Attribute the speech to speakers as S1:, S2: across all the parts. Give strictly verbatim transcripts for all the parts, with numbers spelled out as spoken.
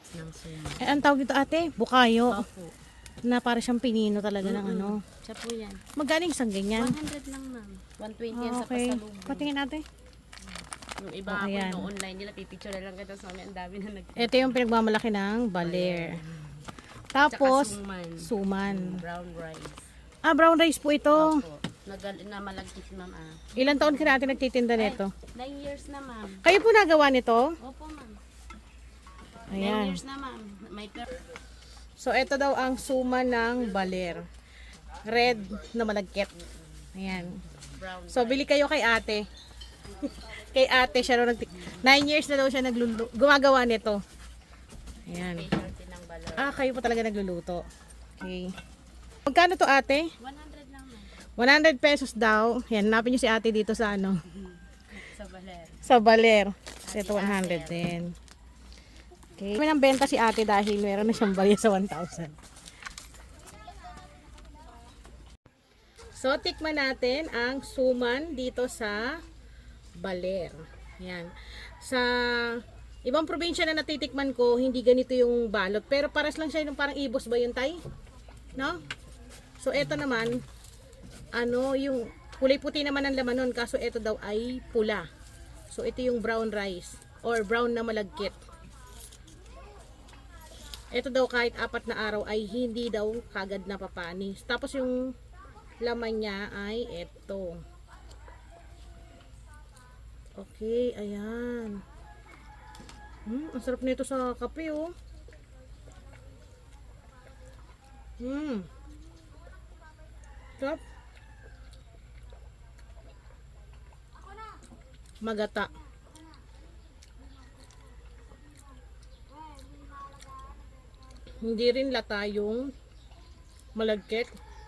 S1: ng suman.
S2: Eh, ang tawag dito ate, bukayo.
S1: Opo.
S2: Na para siyang pinino talaga ng ano.
S1: Siya po yan.
S2: Magaling isang ganyan.
S1: one hundred lang ma'am. one twenty yan
S2: Ah,
S1: sa
S2: okay.
S1: pasalubong.
S2: Patingin ate.
S1: Yung iba
S2: Oh,
S1: ako
S2: ayan.
S1: no online nila, pipicture na lang kita sa amin. Ang dami na nag...
S2: Ito yung pinagmamalaki ng baler. Tapos,
S1: Tsaka suman.
S2: suman.
S1: Brown rice.
S2: Ah, brown rice po ito.
S1: Opo. Nagal na malagkit ma'am ah.
S2: Ilan taon ka natin nagtitinda nito?
S1: nine years na ma'am.
S2: Kayo po nagawa nito?
S1: Opo ma'am. nine
S2: Ayan.
S1: years na ma'am. May per...
S2: So, ito daw ang suman ng baler. Red na malagkit. Ayan.
S1: Brown.
S2: So, bili kayo kay ate. Kay ate siya raw nag nine years na daw siya nagluluto, gumagawa nito. Ayan.
S1: Specialty ng balor.
S2: Ah, kayo po talaga nagluluto. Okay. Magkano to ate?
S1: one hundred lang ma'am.
S2: one hundred pesos daw. Yan, hanapin niyo si ate dito sa ano,
S1: Sa baler.
S2: sa baler. So, ito one hundred din. Okay. May nang benta si ate dahil meron na siyang barya sa one thousand. So, tikman natin ang suman dito sa baler. Yan. Sa ibang probinsya na natitikman ko, hindi ganito yung balot. Pero paras lang siya yung parang ibos ba yun, tay? No? So, ito naman, ano, yung kulay puti naman ang laman nun, kaso ito daw ay pula. So, ito yung brown rice or brown na malagkit. Ito daw kahit apat na araw ay hindi daw kagad napapanis. Tapos yung laman niya ay ito. Okay, ayan. Hmm, ang sarap nito sa kape, oh. Hmm. Sarap. Magata. Hindi rin lata yung malagkit.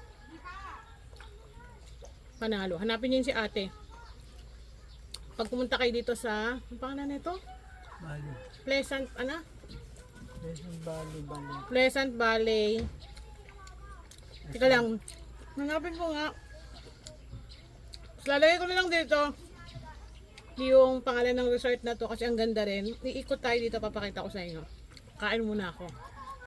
S2: Panalo. Hanapin niyo yun si ate. Pag pumunta kayo dito sa, ang pangalan nito?
S3: Bali.
S2: Pleasant, ano?
S3: Pleasant Valley, Bali.
S2: Pleasant Valley. Teka lang. Hanapin ko nga. Lalagay ko na lang dito yung pangalan ng resort na to kasi ang ganda rin. Iikot tayo dito, papakita ko sa inyo. Kain muna ako.